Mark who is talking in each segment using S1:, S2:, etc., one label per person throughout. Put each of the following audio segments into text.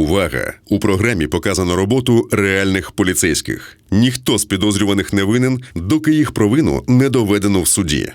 S1: Увага! У програмі показано роботу реальних поліцейських. Ніхто з підозрюваних не винен, доки їх провину не доведено в суді.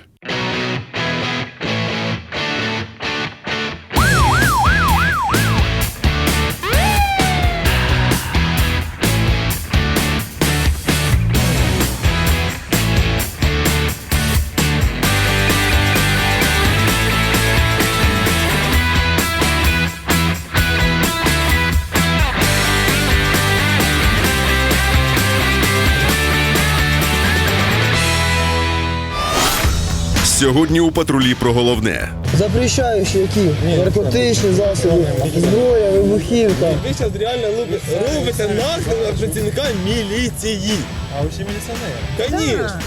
S1: Сьогодні у патрулі про головне.
S2: Запрещаючі які? Наркотичні засоби, зброя, вибухівка.
S3: Ви зараз реально робите наклик на працівника міліції.
S4: А ви ще міліціонер?
S3: Конечно.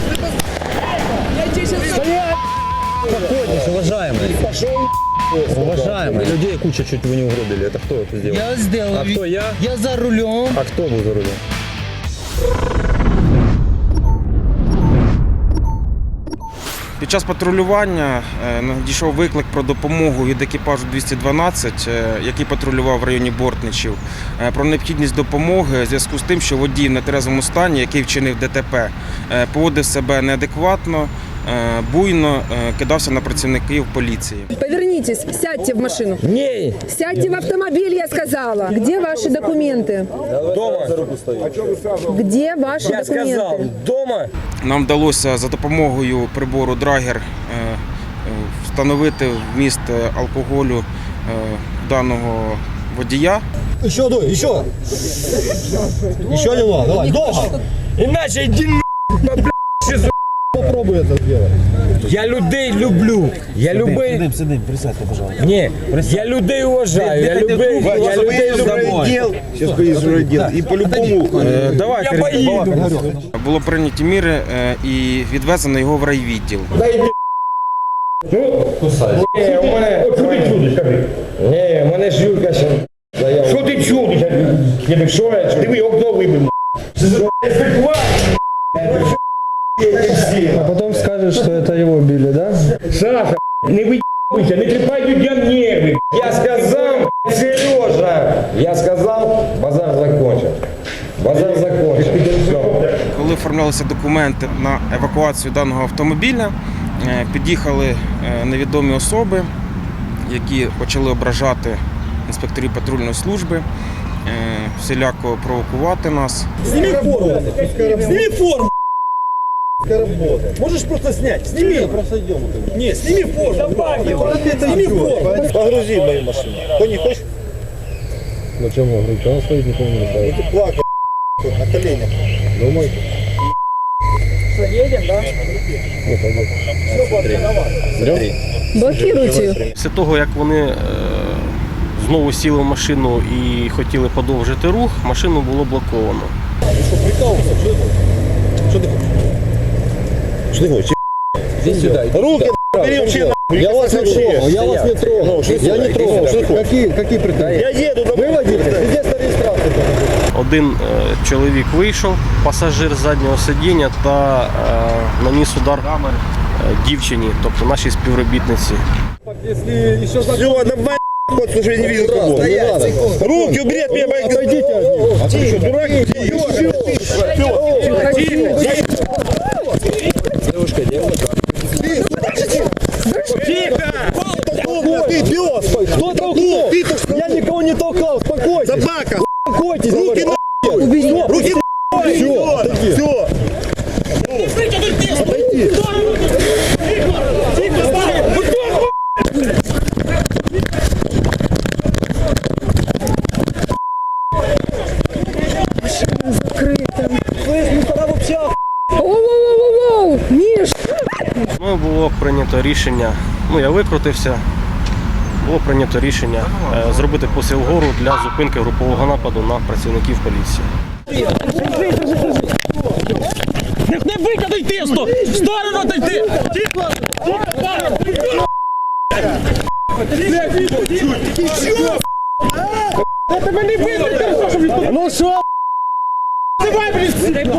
S4: Спокойтесь, уважаемые. Уважаемые. Людей куча чуть вы не угробили. Это кто это сделал?
S2: Я сделал.
S4: А кто я?
S2: Я за рулем.
S4: А кто был за рулем?
S5: Під час патрулювання надійшов виклик про допомогу від екіпажу 212, який патрулював в районі Бортничів, про необхідність допомоги в зв'язку з тим, що водій в нетрезвому стані, який вчинив ДТП, поводив себе неадекватно, буйно кидався на працівників поліції.
S6: Повернитесь, сядьте в машину.
S4: Не!
S6: Сядьте в автомобиль, я сказала. Где ваши документы?
S4: Дома!
S6: Где ваши
S4: Я сказал,
S6: документы?
S4: дома!
S5: Нам вдалося за допомогою прибору Драгер встановити вміст алкоголю даного водія.
S3: Еще, еще. Еще немного, давай, долго.
S4: Иначе иди
S3: Попробуй это сделать.
S4: Я людей люблю. Я любий...
S3: Сидим, присядьте, пожалуйста.
S4: Ні, я людей уважаю. Я людей люблю.
S3: Сейчас поедешь в райдел. И по-любому...
S5: Давай,
S4: Я поїду.
S5: Було прийняті міри і відвезено його в райвідділ.
S4: Ні, у мене... Що ти чудиш, кажи? Ні, у мене ж Юрка ще... Що ти чудиш? Що я чудиш? Диви, окно вибив.
S2: А потом скажешь, что это его били, да?
S4: Саша, не выебывайся, не трепай людям нервы. Я сказал, Сережа. Я сказал, базар закончен. Базар закончен. Все.
S5: Коли оформлялися документи на евакуацію даного автомобіля, під'їхали невідомі особи, які почали ображати інспекторів патрульної служби, всіляко провокувати нас.
S3: Сними форму. Сними форму. Можешь просто снять. Сними. Не, сними форму. Сними форму. Погрузи в мою машину. Кто не хочет?
S4: Зачем он говорит? Он стоит, никому не мешает.
S3: Ты плакал на коленях.
S4: Думай.
S6: Что, едем, да?
S4: Смотри.
S6: Блокируйте ее.
S7: Після того, як вони знову сіли в машину і хотіли подовжити рух, машину було блоковано.
S3: Что, прикалывался? Что ты хочешь? Что ты хочешь?
S4: Иди сюда.
S3: Руки бери вообще. Я вас не трогал. Я вас не трогал. Я не трогал. Какие претензии? Я еду домой. Вы водитель? Где регистрация?
S7: Один чоловік вийшов, пасажир з заднього сидіння, та наніс удар дівчині, тобто нашій співробітниці.
S3: Все, давай, вот, слушай, я не видел кого. Руки убери от меня, боитесь. Отойдите от него. А ты что, дурак?
S4: Девушка, девушка.
S3: Тихо! Ты пес! Кто толкнул? Я никого не толкал, спокойся! Собака! Успокойтесь! Руки на! Убери! Руки на! Все! Все! Отойди!
S6: Оу-оу-оу-оу! Миш!
S7: Ну, було прийнято рішення, я викрутився, було прийнято рішення зробити посил вгору для зупинки групового нападу на працівників поліції.
S8: Не викидай тисто! В сторону дойти! Я тебе не викидай! Ну що? Давай, блін!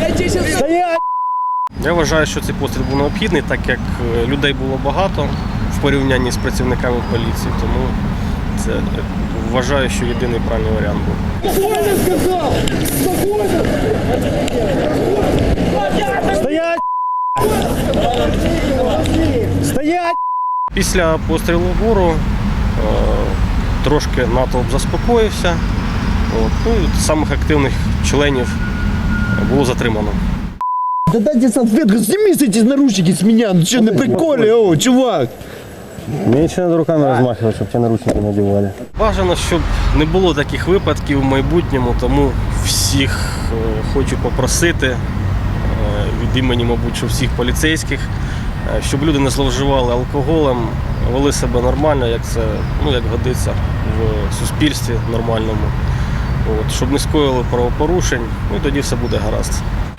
S7: Я вважаю, що цей постріл був необхідний, так як людей було багато, в порівнянні з працівниками поліції. Тому це вважаю, що єдиний правильний варіант був.
S3: Стоять! Стоять!
S7: Після пострілу вгору трошки натовп заспокоївся. Ну, і самих активних членів було затримано.
S3: Да дайте салфетку, сними эти наручники с меня, ну что, на приколе, о, чувак!
S9: Меньше надо руками размахивать, чтобы тебе наручники надевали.
S7: Бажано, щоб не було таких випадків в майбутньому, тому всіх хочу попросити від імені, мабуть, що всіх поліцейських, щоб люди не зловживали алкоголем, вели себе нормально, як це, як годиться в суспільстві нормальному. Щоб не скоїли правопорушень, і тоді все буде гаразд.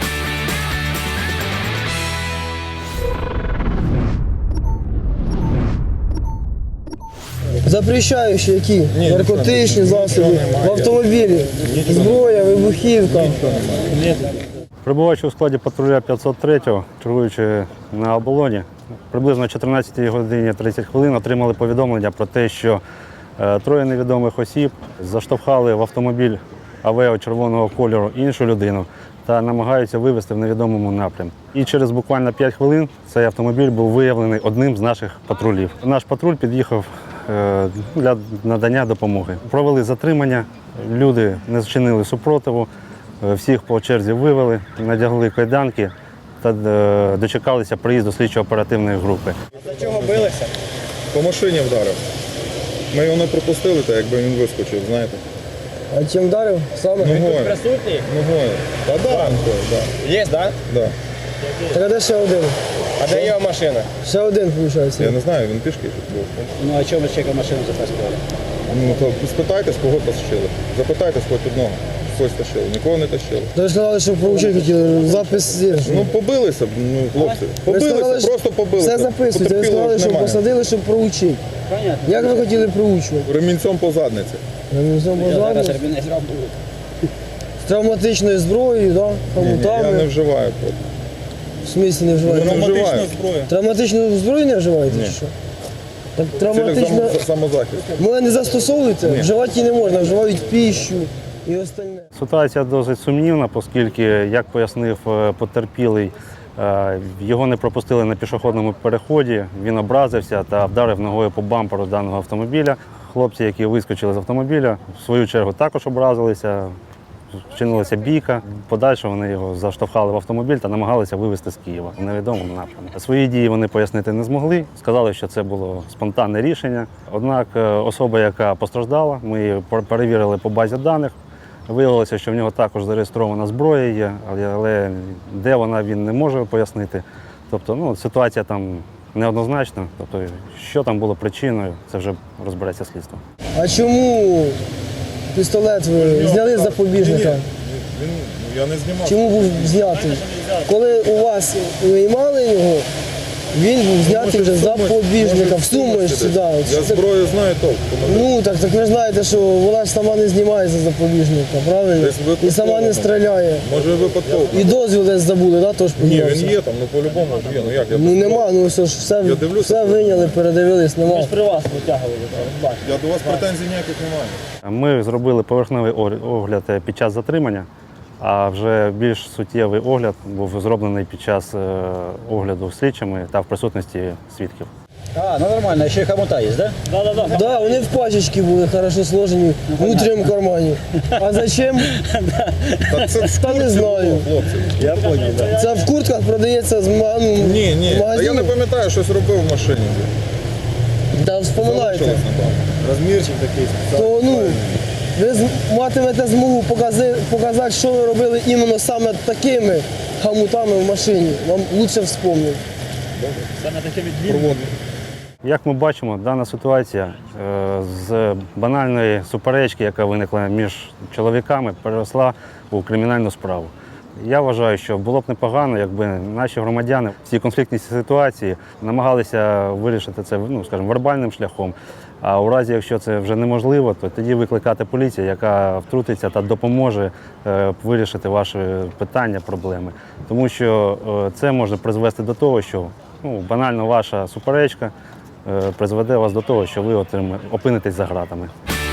S2: Запрещаючі які? Наркотичні засоби, в автомобілі, зброя, вибухівка.
S9: Прибуваючи у складі патруля 503-го, чергуючи на оболоні, приблизно о 14 годині 30 хвилин отримали повідомлення про те, що троє невідомих осіб заштовхали в автомобіль Авео червоного кольору іншу людину та намагаються вивезти в невідомому напрямку. І через буквально 5 хвилин цей автомобіль був виявлений одним з наших патрулів. Наш патруль під'їхав для надання допомоги. Провели затримання, люди не зчинили супротиву, всіх по черзі вивели, надягли кайданки та дочекалися приїзду слідчо-оперативної групи.
S3: За чого билися? По машині вдарив. Ми його не пропустили, так якби він вискочив, знаєте.
S2: А чим вдарив? Саме?
S3: Ногою.
S8: Присутній?
S3: Ногою. Та да, да.
S8: Є, так?
S3: Да.
S2: Так а де ще один?
S8: А де його машина?
S2: Ще один, виходить.
S3: Я не знаю, він пішки тут був.
S8: Ну а чому чека машину запаскували?
S3: Ну, то спитайтесь, кого тащили. Запитайтесь хоч одного. Когось тащили. Нікого не тащили.
S2: То ви сказали, що проучити хотіли, запис є.
S3: Ну, побилися, хлопці.
S2: Ви сказали,
S3: Побилися,
S2: що
S3: просто побилися.
S2: Все записується, ви
S3: Потерпілих
S2: сказали, що
S3: немає.
S2: посадили, щоб проучити.
S8: Понятно.
S2: Як ви хотіли проучувати?
S3: Ремінцем по задниці.
S2: З травматичною зброєю, да?
S3: Ні, я не
S2: Хомутами.
S3: вживаю. просто.
S2: В смислі не вживаєте?
S3: Я не вживаю.
S2: Травматичну зброю не вживаєте?
S3: Ні.
S2: Чи що? Так
S3: В цілях
S2: травматична...
S3: самозахист.
S2: Ми не застосовуєте? Вживати її не можна, вживають піщу і остальне.
S9: Ситуація досить сумнівна, оскільки, як пояснив потерпілий, його не пропустили на пішохідному переході, він образився та вдарив ногою по бамперу даного автомобіля. Хлопці, які вискочили з автомобіля, в свою чергу також образилися, вчинилася бійка. Подальше вони його заштовхали в автомобіль та намагалися вивезти з Києва в невідомому напрямку. Свої дії вони пояснити не змогли, сказали, що це було спонтанне рішення. Однак особа, яка постраждала, ми її перевірили по базі даних. Виявилося, що в нього також зареєстрована зброя є, але де вона, він не може пояснити. Тобто, ситуація там неоднозначна. Тобто, що там було причиною, це вже розбереться слідство.
S2: А чому пістолет ви зняли з запобіжника?
S3: Я не знімав.
S2: Чому був знятий? Коли у вас виймали його, він був знятий вже з запобіжника, в сумочці. Да.
S3: Я зброю знаю толк.
S2: Ну так ви знаєте, що вона ж сама не знімається з запобіжника, правильно?
S3: Десь випадково.
S2: І сама не стріляє.
S3: Може випадково.
S2: І дозвіл десь забули, да, тож
S3: Ні,
S2: піднявся?
S3: він є там, по-любому є. Ну як?
S2: Ну нема, ну все ж все,
S3: Я дивлюся.
S2: все виняли, передивились, нема.
S8: При вас витягували, бачите.
S3: Я до вас претензій ніяких немає.
S9: Ми зробили поверхневий огляд під час затримання, а вже більш суттєвий огляд був зроблений під час огляду слідчими та в присутності свідків.
S8: А, ну нормально, ще й хомута є, да? Да.
S2: Да, вони в пачечки були хорошо сложені в внутрішньому кармані. А зачем?
S3: Так це в
S2: Та не знаю.
S3: хлопці.
S8: Я понял, да.
S2: Це в куртках продається з
S3: Ні,
S2: в
S3: Та
S2: магазині.
S3: я не пам'ятаю, щось робив в машині.
S2: Та вспоминайте.
S3: Залишилось, напевно. Розмірчик такий.
S2: То ви матимете змогу показати, що ви робили іменно саме такими хомутами в машині. Вам краще вспомнити.
S8: Саме такими
S3: Проводимо.
S9: Як ми бачимо, дана ситуація з банальної суперечки, яка виникла між чоловіками, переросла у кримінальну справу. Я вважаю, що було б непогано, якби наші громадяни в цій конфліктній ситуації намагалися вирішити це, скажімо, вербальним шляхом. А у разі, якщо це вже неможливо, то тоді викликати поліцію, яка втрутиться та допоможе вирішити ваші питання, проблеми. Тому що це може призвести до того, що банально ваша суперечка призведе вас до того, що ви опинитесь за ґратами.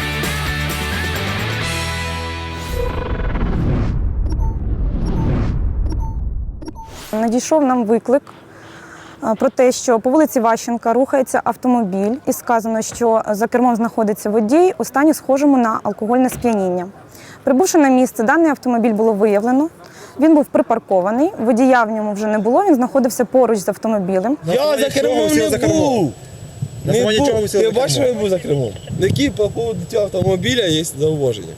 S10: Надійшов нам виклик про те, що по вулиці Ващенка рухається автомобіль і сказано, що за кермом знаходиться водій у стані схожому на алкогольне сп'яніння. Прибувши на місце, даний автомобіль було виявлено. Він був припаркований, водія в ньому вже не було, він знаходився поруч з автомобілем.
S3: Я за кермом не був. Не був. Ти бачиш, що я був за кермом? Які по поводу цього автомобіля є зауваження?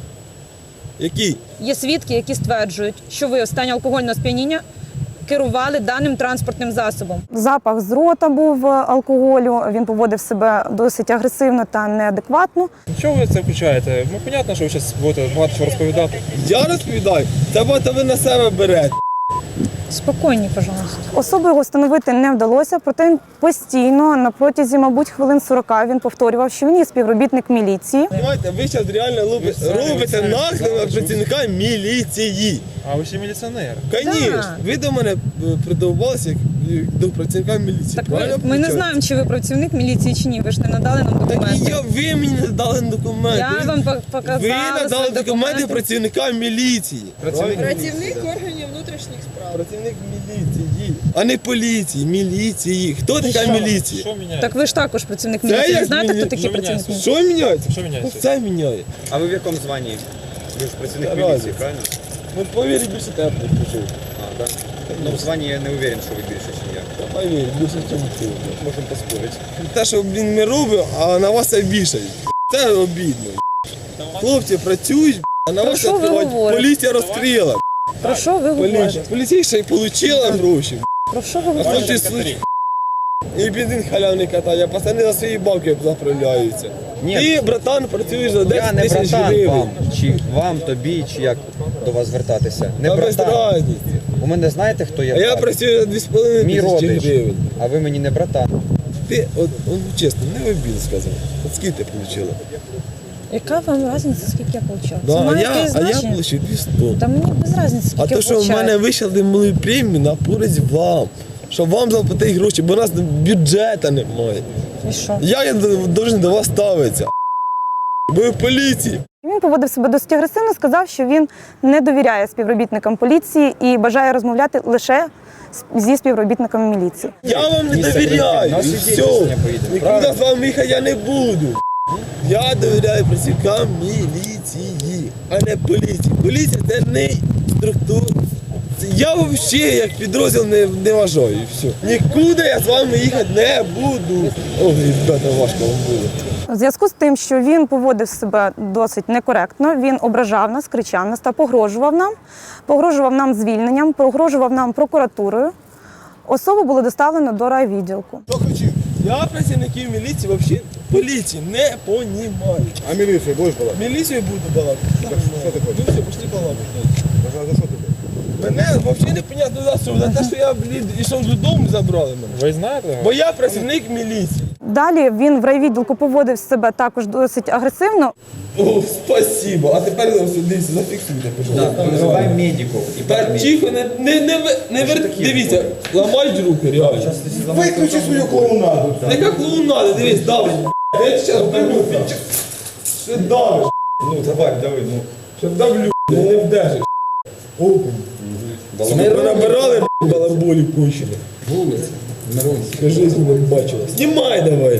S3: Які?
S6: Є свідки, які стверджують, що ви у стані алкогольного сп'яніння керували даним транспортним засобом.
S10: Запах з рота був алкоголю, він поводив себе досить агресивно та неадекватно.
S11: Чого ви це включаєте? Ну, понятно, що ви зараз будете багато чого розповідати.
S3: Я розповідаю? Це багато ви на себе берете.
S6: Спокійні, пожалуйста.
S10: Особу його встановити не вдалося, проте він постійно, на протязі, мабуть, хвилин 40 він повторював, що він є співробітник міліції.
S3: Понимаєте, ви зараз реально робите наклеп на працівника міліції.
S11: А ви ще міліціонер.
S3: Звісно, ви до мене придовбалися як до працівника міліції.
S6: Так
S3: Правильно
S6: ми не
S3: включаєте?
S6: знаємо, чи ви працівник міліції, чи ні. Ви ж не надали нам
S3: Так і
S6: документи.
S3: ви мені не дали документи.
S6: Я вам показала
S3: Ви надали
S6: свої
S3: документи працівника міліції.
S11: Працівник
S6: органів внутрішніх справ.
S3: Працівник міліції, а не поліції, міліції. Хто така міліція?
S11: Що міняється?
S6: Так ви ж також працівник
S3: Це
S6: міліції. Ви
S3: як
S6: знаєте, хто
S3: міняється?
S6: такий
S11: Що
S6: працівник
S11: міняється?
S6: міліції?
S3: Що міняється?
S11: Що міняється?
S3: Це міняє.
S12: А ви в якому званні? Ви ж працівник
S3: Разом.
S12: міліції, правильно?
S3: Ну, повір, більше тебе почув.
S12: А, так? Ну, в званні я не уверен, що ви більше, ніж я.
S3: Повір, більше, ніж ти.
S12: Можемо поспорити.
S3: Те, що, блін, ми робимо, а на вас це вішають. Це обідно. Хлопці працюють, а на вас
S6: що ви
S3: відкривають.
S6: говорите?
S3: Поліція розкрила.
S6: Про що ви говорите?
S3: Поліція ще й отримала гроші.
S6: Про що ви
S3: А
S6: говорите?
S3: хлопці слухають. І бензин халявний катає, пацани за свої бабки заправляються.
S12: Ні.
S3: Ти, братан, працюєш за 10
S12: Я не
S3: тисяч
S12: братан
S3: гривень.
S12: вам, чи вам, тобі, чи як до вас звертатися. Не
S3: Та без
S12: братан.
S3: разниці.
S12: У мене знаєте, хто я?
S3: А я
S12: Так.
S3: працюю за 2,5
S12: Мій
S3: тисячі
S12: родич.
S3: гривень.
S12: А ви мені не братан.
S3: Ти, от чесно, не в обід сказав. От скільки ти отримала?
S6: Яка вам різниця, скільки я получала? Це
S3: Да,
S6: має
S3: а я
S6: якесь значення?
S3: отримав 200.
S6: Та мені без різниці, скільки
S3: А то,
S6: я
S3: що в
S6: получаю.
S3: мене вийшли мали премію на користь вам. Щоб вам заплатити гроші, бо у нас бюджету немає.
S6: І що?
S3: Як я повинен до вас ставитися? Ви в поліції.
S10: Він поводив себе досить агресивно, сказав, що він не довіряє співробітникам поліції і бажає розмовляти лише зі співробітниками міліції.
S3: Я вам не
S12: Місце
S3: довіряю.
S12: на
S3: І
S12: суді
S3: все.
S12: рішення поїде,
S3: Нікуди
S12: правильно?
S3: з вами їхати я не буду. Я довіряю працівникам міліції, а не поліції. Поліція це не структура. Я взагалі як підрозділ не вважаю. І все. Нікуди я з вами їхати не буду. Ой, ребята, важко вам буде.
S10: У зв'язку з тим, що він поводив себе досить некоректно, він ображав нас, кричав нас та погрожував нам звільненням, погрожував нам прокуратурою. Особу було доставлено до райвідділку.
S3: Що хотів? Я працівників міліції взагалі поліції не понімаю.
S11: А міліцію будеш балакати?
S3: Міліцію буду балакати.
S11: Що ти хочеш?
S3: Ну все, пішли балакати.
S11: За що ти?
S3: Мене взагалі непонятно за що. За те, що я, блін, ішов додому, забрали мене.
S11: Ви знаєте?
S3: Бо я працівник міліції.
S10: Далі він в райвідділку поводив себе також досить агресивно.
S3: О, спасибо. А тепер дивіться, зафіксуйте, пожалуйста.
S12: Визивай медиків. І
S3: Та тихо, не дивіться, ламають руки, реально.
S11: Виключи свою клоунаду.
S3: Яка клоунада, дивись, давиш. Я зараз вдарю. Ще давиш.
S12: Ну, давай, давай, ну.
S3: Ще давлю, не вдержиш. Ми набирали балаболі кончені. Вулиця. Скажи, не бачила. Знімай давай.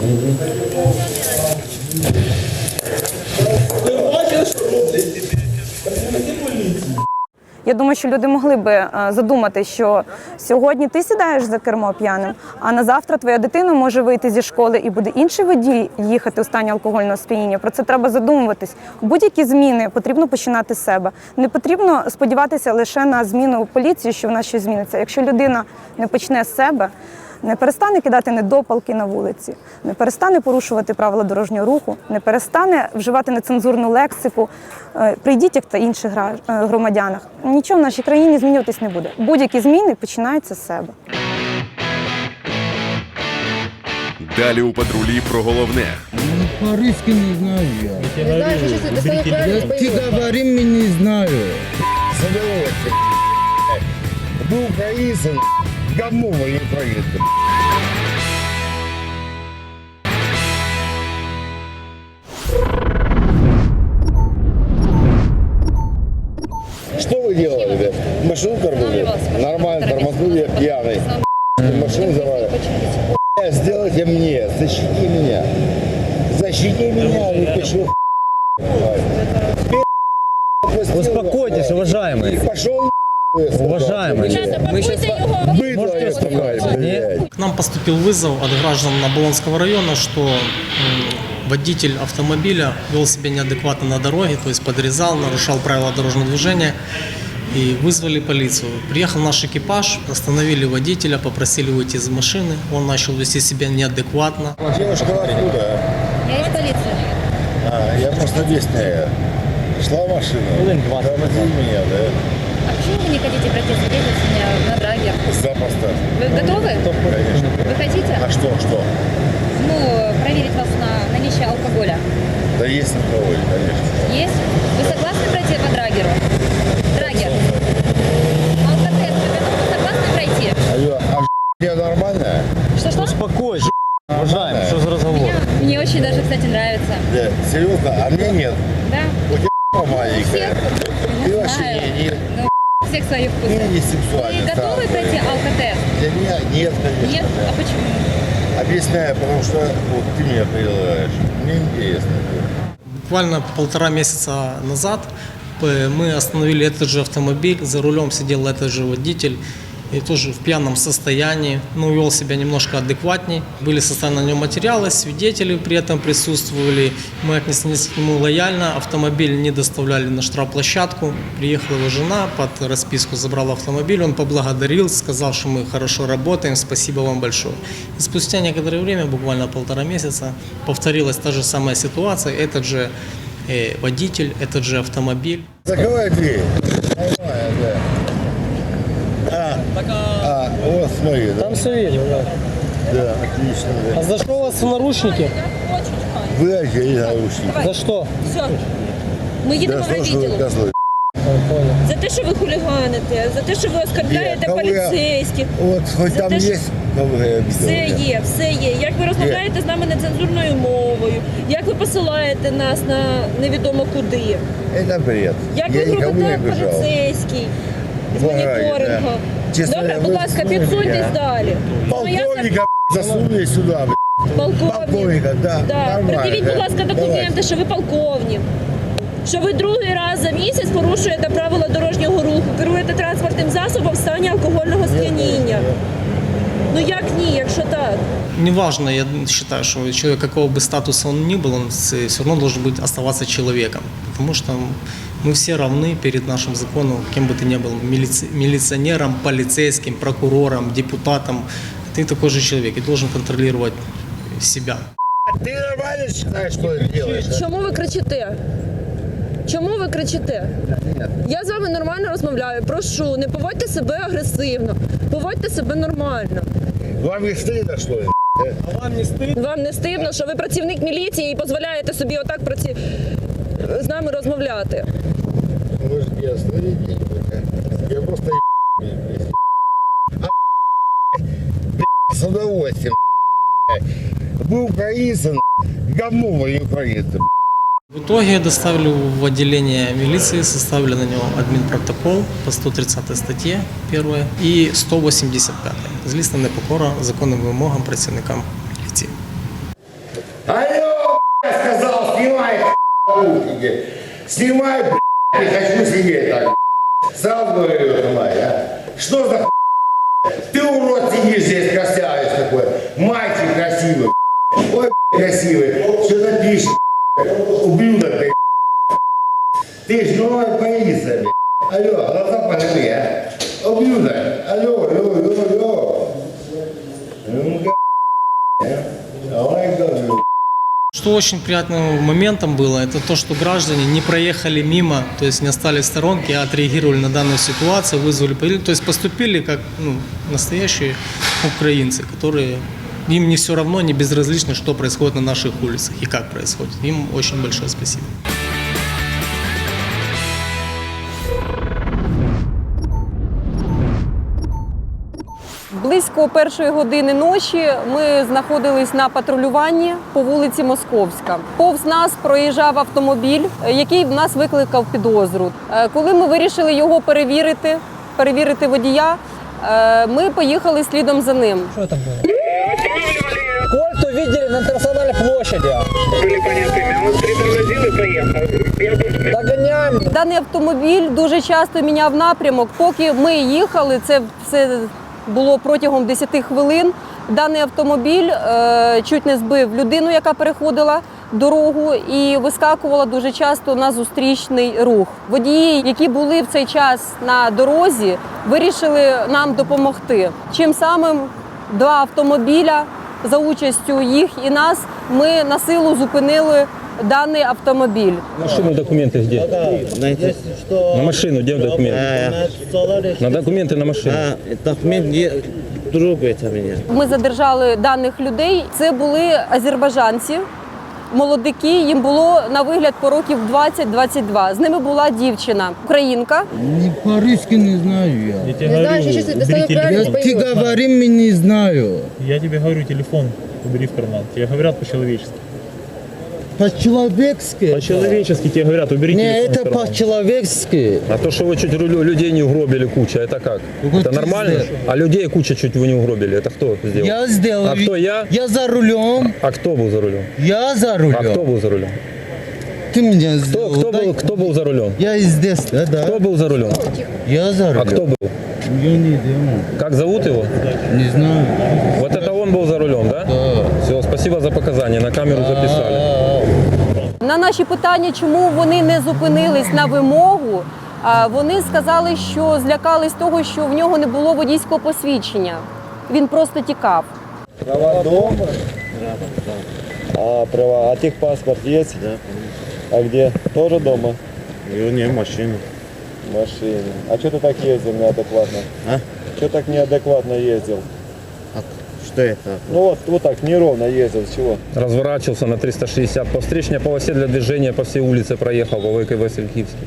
S3: Ти бачиш, що роблять? Працівники поліції.
S10: Я думаю, що люди могли би задумати, що сьогодні ти сідаєш за кермо п'яним, а на завтра твоя дитина може вийти зі школи і буде інший водій їхати у стані алкогольного сп'яніння. Про це треба задумуватись. Будь-які зміни потрібно починати з себе. Не потрібно сподіватися лише на зміну у поліції, що вона щось зміниться. Якщо людина не почне з себе, не перестане кидати недопалки на вулиці, не перестане порушувати правила дорожнього руху, не перестане вживати нецензурну лексику при дітях та інших громадянах, нічого в нашій країні змінюватись не буде. Будь-які зміни починаються з себе.
S1: Далі у патрулі про головне.
S13: По-русски не знаю я. Не знаю, что это самое правильное. Ты говори, мне не знаю.
S11: Завелося. До українців говно воює проїзд.
S8: машину тормозил? Нормально тормознул, я пьяный. Машину завалил. Сделайте мне, защити меня. Защити меня, и почему?
S12: Успокойтесь, уважаемый.
S8: Пошел.
S12: Уважаемый.
S8: Быдло успокаивай, блядь.
S7: К нам поступил вызов от граждан Оболонского района, что водитель автомобиля вел себя неадекватно на дороге, то есть подрезал, нарушал правила дорожного движения, и вызвали полицию. Приехал наш экипаж, остановили водителя, попросили выйти из машины, он начал вести себя неадекватно.
S8: Девушка откуда?
S6: Я из полиции.
S8: Я просто местная. Шла машина. Тормозил меня, да?
S6: А почему вы не хотите пройти свидетельствование на драгер?
S8: Запросто.
S6: Вы готовы?
S8: Конечно.
S6: Вы хотите?
S8: А что?
S6: Ну, проверить вас на наличие алкоголя.
S8: Да есть алкоголь, конечно.
S6: Есть? Вы согласны пройти по драгеру? Драгер. Алкотест, вы согласны пройти?
S8: Алло, я нормальная?
S6: Что-что?
S12: Успокойся, уважаемый, что за разговор?
S6: Мне очень даже, кстати, нравится.
S8: Да, серьезно, а мне нет.
S6: Да?
S8: У тебя маленькая. Ты вообще
S6: знаю.
S8: нет.
S6: Ну, у всех свои вкусы.
S8: Я не сексуальный.
S6: Вы готовы
S8: сам,
S6: пройти
S8: конечно.
S6: алкотест?
S8: Для меня нет, конечно.
S6: Нет?
S8: да.
S6: А почему?
S8: Объясняю, потому что вот, ты меня предлагаешь. Мне интересно.
S7: Буквально 1,5 месяца назад мы остановили этот же автомобиль, за рулем сидел этот же водитель, и тоже в пьяном состоянии, но вел себя немножко адекватней. Были составлены на нем материалы, свидетели при этом присутствовали. Мы отнеслись к нему лояльно, автомобиль не доставляли на штрафплощадку. Приехала его жена, под расписку забрала автомобиль, он поблагодарил, сказал, что мы хорошо работаем, спасибо вам большое. И спустя некоторое время, буквально 1,5 месяца, повторилась та же самая ситуация, этот же водитель, этот же автомобиль.
S8: Закрывай дверь. Нормально, да. Вот смотри, да.
S2: Там все видел, да.
S8: Да, отлично, да.
S2: А за что у вас в наручники?
S8: Вы одели наручники.
S2: За что?
S6: Все. Ми їдемо
S8: Да
S6: в
S8: что ж вы,
S6: відділок.
S8: козлы?
S6: За те, що ви хуліганите, за те, що ви оскарбляєте
S8: Кого я-
S6: поліцейських.
S8: Вот хоть
S6: За
S8: там
S6: те, що-
S8: есть, кого я обидел.
S6: Все є. Як ви розмовляєте з нами нецензурною мовою, як ви посилаєте нас на невідомо куди,
S8: Это бред.
S6: як
S8: Я
S6: ви
S8: никому не
S6: робите
S8: обижал.
S6: поліцейський з
S8: Заграють,
S6: моніторингу.
S8: да. Чесно,
S6: Добре,
S8: ви
S6: будь ласка,
S8: слухайте,
S6: підсуньтесь
S8: а?
S6: далі.
S8: Полковника засунули сюда. Полковника, да.
S6: Да.
S8: Нормально,
S6: Придивіть,
S8: да.
S6: будь ласка, документи,
S8: Давайте.
S6: що ви полковник. Що ви другий раз за місяць порушуєте правила дорожнього руху, керуєте транспортним засобом в стані алкогольного сп'яніння. Ну як ні, якщо так?
S7: Неважно, я считаю, что человек, какого бы статуса он ни был, он все равно должен быть, оставаться человеком. Потому что мы все равны перед нашим законом, кем бы ты ни был, милиционером, полицейским, прокурором, депутатом. Ты такой же человек и должен контролировать себя.
S8: Ты нормально считаешь, что ты делаешь? а?
S6: Чому ви кричите? Чому ви кричите? Я з вами нормально розмовляю. Прошу, не поводьте себе агресивно, поводьте себе нормально.
S8: Вам не стыдно, что ли?
S6: Вам не стидно, що ви працівник міліції і дозволяєте собі отак з нами розмовляти?
S8: Может, я остановить? Я просто с удовольствием. Вы украинцы, говно вы украинцы.
S7: В итоге доставили в отделение милиции, составили на него админпротокол по 130 статье 1 и 185 злісна непокора законним вимогам працівникам міліції.
S8: Алло, сказал, снимай наушники. Снимай, не хочу сидеть так. Сразу говорю, снимай, а? Что за Ты, урод, сидишь здесь, красавец такой. Мальчик красивый. Ой, красивый. Что ты пишешь? Ублюдок ты. Ты ж новая полиция, блядь. Алло, глаза полевые, а? Ублюдок. Алло. Давай, говорю.
S7: Что очень приятным моментом было, это то, что граждане не проехали мимо, то есть не остались в сторонке, а отреагировали на данную ситуацию, вызвали полицию, то есть поступили как настоящие украинцы, которые им не все равно, не безразлично, что происходит на наших улицах и как происходит. Им очень большое спасибо.
S10: Близько 1-ї години ночі ми знаходились на патрулюванні по вулиці Московська. Повз нас проїжджав автомобіль, який в нас викликав підозру. Коли ми вирішили його перевірити, перевірити водія. Ми поїхали слідом за ним.
S11: Что там было? Кольт увидели на Национальной площади.
S14: Были понятыми. Он притормозил и поехал.
S11: Догоняем.
S10: Даний автомобіль дуже часто міняв напрямок. Поки ми їхали, це все було протягом 10 хвилин. Даний автомобіль чуть не збив людину, яка переходила дорогу, і вискакувала дуже часто на зустрічний рух. Водії, які були в цей час на дорозі, вирішили нам допомогти. Чим самим 2 автомобіля за участю їх і нас ми на силу зупинили даний автомобіль.
S4: Машину, документы где? На машину, где документы? На документы на машину.
S3: Документ другий мене.
S10: Ми задержали даних людей. Це були азербайджанці, молодики, їм було на вигляд по років 20-22. З ними була дівчина, українка.
S13: По-русски не знаю я.
S11: Я тебе говорю, убери телефон.
S13: Ты говори, мне не знаю.
S11: Я тебе говорю, телефон убери в карман. Тебе говорят по-человечески.
S13: По-человечески?
S11: По-человечески тебе говорят, убери
S13: Не,
S11: телефон в
S13: это
S11: карман.
S13: по-человечески.
S4: А то, что вы чуть людей не угробили куча, это как?
S13: Вот
S4: Это
S13: ты
S4: нормально?
S13: сделал.
S4: А людей куча чуть вы не угробили, это кто сделал?
S13: Я сделал.
S4: А кто я?
S13: Я за рулем.
S4: А кто был за рулем?
S13: Я за
S4: А
S13: рулем.
S4: кто был за рулем?
S13: Ты меня сделал.
S4: Кто был за рулем?
S13: Я здесь, да.
S4: Кто был за рулем?
S13: Я за рулем.
S4: А кто был?
S13: Я не знаю.
S4: Как зовут его?
S13: Не знаю.
S4: Вот это он был за рулем, да?
S13: Да.
S4: Все, спасибо за показания, на камеру записали.
S10: На наші питання, чому вони не зупинились на вимогу, вони сказали, що злякались того, що в нього не було водійського посвідчення. Він просто тікав.
S3: Права дома? А права, а техпаспорт есть? Да. А где? Тоже дома? Не, в машине. В машине. А что ты так ездил неадекватно? А? Что так неадекватно ездил? Что это? Ну вот так неровно ездил, с чего?
S4: Разворачивался на 360 по встречной полосе для движения по всей улице проехал по ВК Васильківській.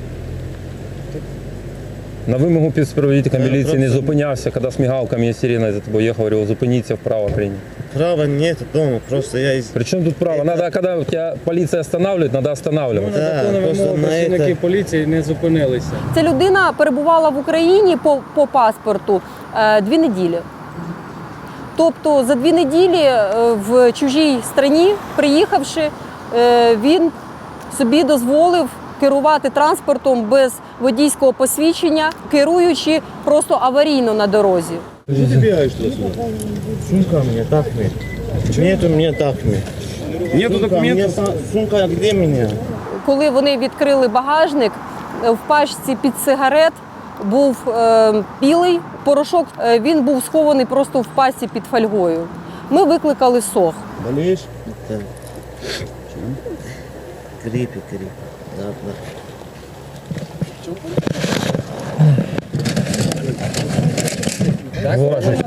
S4: На вимогу співробітника міліції не зупинявся, коли з мигалками і сиреною за тобою їхав, говорив, зупиніться вправо прийняти.
S3: Права нет дома, просто я...
S4: Причем тут право? Надо, когда тебя полиция останавливает, надо останавливать.
S3: Да, просто на это...
S11: поліції не зупинилися.
S10: Ця людина перебувала в Україні по паспорту 2 неділі. Тобто за 2 неділі в чужій країні, приїхавши, він собі дозволив керувати транспортом без водійського посвідчення, керуючи просто аварійно на дорозі.
S3: Что ты бегаешь туда-сюда? Сумка мне, так мне. Нету мне, так мне. Нету документов? Сумка, где меня?
S10: Коли вони відкрили багажник, в пачці під сигарет був білий порошок, він був схований просто в пачці під фольгою. Ми викликали СОГ.
S3: Болеешь? Да. Крипи. Да.
S4: Важно.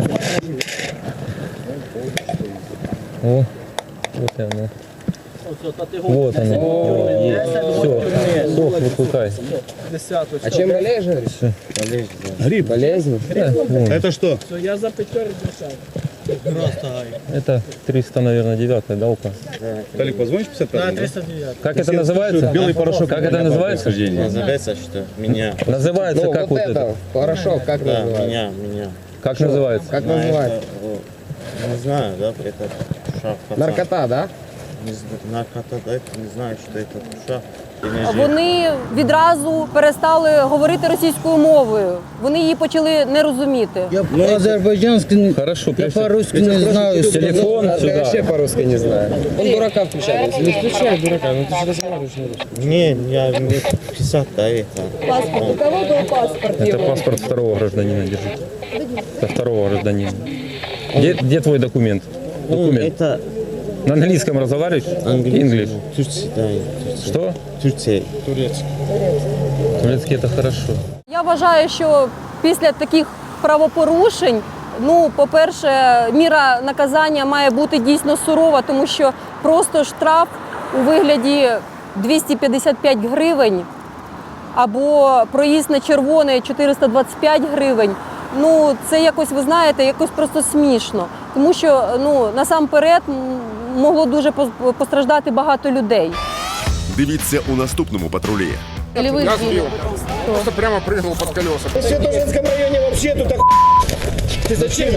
S4: О, вот она. Вот она. Все, сох выпускай.
S11: А чем болеешь, говоришь?
S3: Болеешь, да.
S11: Гриб. Болезнь?
S3: Это что?
S11: Я за пятерку держал.
S4: Это 300, наверное, 9-я, да, указ?
S3: Толик, позвонишь 50?
S11: Да, 309.
S4: Как это называется?
S3: Белый порошок.
S4: Как это называется?
S3: Называется что? Меня.
S4: Называется
S11: Ну,
S4: как вот это?
S11: Порошок, как
S3: Да,
S11: называется?
S3: меня.
S4: Как называется?
S11: Как
S3: Знаю,
S11: называется?
S3: это, не знаю, да, это душа.
S11: Наркота, да?
S3: Наркота, да, это не знаю, что это душа.
S10: Вони відразу перестали говорити російською мовою. Вони її почали не розуміти.
S13: Я по-азербайджански не...
S4: Хорошо,
S13: Я по-русски не знаю.
S4: телефон
S11: Я
S4: сюда.
S11: вообще по-русски не знаю. Он дурака включает. Не включай дурака, ну ты же разговариваешь на русском.
S3: Не, я мне 50, да, это.
S10: Паспорт. У кого був паспорт?
S4: Это паспорт второго гражданина, держи. Это второго гражданина. Где твой документ? Документ.
S3: Это
S4: На английском разговариваешь? English.
S3: Турция, да.
S4: Что?
S3: Турция.
S4: Турецкий это хорошо.
S10: Я вважаю, що після таких правопорушень, по-перше, міра наказання має бути дійсно сурова, тому що просто штраф у вигляді 255 гривень або проїзд на червоне 425 гривень. Це якось, ви знаєте, якось просто смішно. Тому що, насамперед, могло дуже постраждати багато людей.
S1: Дивіться у наступному патрулі.
S10: Или вы
S14: Я
S10: сбили?
S14: сбил. Просто прямо прыгнул под колеса.
S3: В Святошинском районе вообще тут Ты зачем?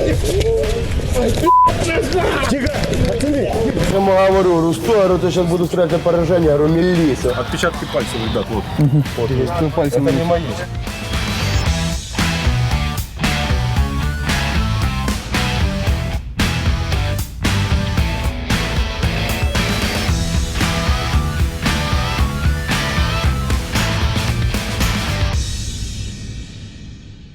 S8: Тихо, пацаны. Я ему говорю, Русту, ты сейчас буду стрелять на поражение, говорю, милиция.
S14: Отпечатки пальцев, ребят, вот.
S11: Пальцем.
S8: Это не мои.